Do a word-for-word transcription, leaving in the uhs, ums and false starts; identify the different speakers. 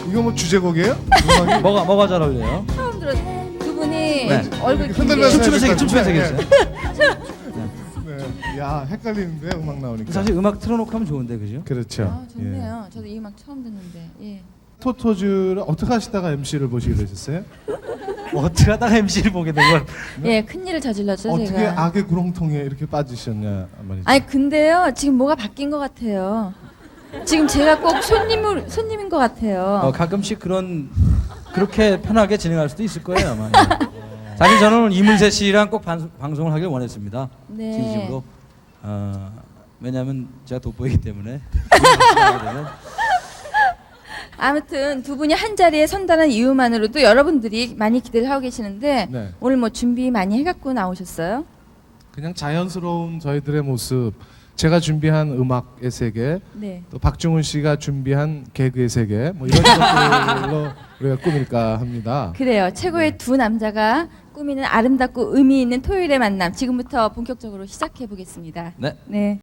Speaker 1: 이거 뭐 주제곡이에요? 음악이?
Speaker 2: 뭐가 뭐가 잘 어울려요?
Speaker 3: 처음 들었. 두 분이
Speaker 2: 네.
Speaker 3: 얼굴
Speaker 1: 흔들면서
Speaker 2: 춤추면서
Speaker 1: 해야
Speaker 2: 얘기, 춤추면서
Speaker 1: 될
Speaker 2: 얘기했어요.
Speaker 1: 네. 야 헷갈리는데 음악 나오니까.
Speaker 2: 사실 음악 틀어놓고 하면 좋은데 그죠?
Speaker 1: 그렇죠.
Speaker 3: 아, 좋네요. 저도 이 음악 처음 듣는데. 예.
Speaker 1: 토토즈를 어떻게 하시다가 엠시를 보시게 되셨어요?
Speaker 2: 뭐 어떻게 하다가 엠시를 보게 된 걸?
Speaker 3: 예, 큰 일을 저질렀죠,
Speaker 1: 어떻게
Speaker 3: 제가.
Speaker 1: 악의 구렁텅이에 이렇게 빠지셨냐 말이죠.
Speaker 3: 아니 근데요, 지금 뭐가 바뀐 것 같아요. 지금 제가 꼭 손님을 손님인 것 같아요.
Speaker 2: 어, 가끔씩 그런 그렇게 편하게 진행할 수도 있을 거예요 아마. 사실 저는 이문세 씨랑 꼭 반, 방송을 하길 원했습니다.
Speaker 3: 네.
Speaker 2: 진심으로. 어, 왜냐하면 제가 돋보이기 때문에.
Speaker 3: 아무튼 두 분이 한 자리에 선다는 이유만으로도 여러분들이 많이 기대를 하고 계시는데
Speaker 1: 네.
Speaker 3: 오늘 뭐 준비 많이 해갖고 나오셨어요?
Speaker 1: 그냥 자연스러운 저희들의 모습, 제가 준비한 음악의 세계,
Speaker 3: 네.
Speaker 1: 또 박중훈 씨가 준비한 개그의 세계, 뭐 이런 것들로 우리가 꾸밀까 합니다.
Speaker 3: 그래요. 최고의 두 남자가 꾸미는 아름답고 의미 있는 토요일의 만남 지금부터 본격적으로 시작해 보겠습니다.
Speaker 2: 네.
Speaker 3: 네.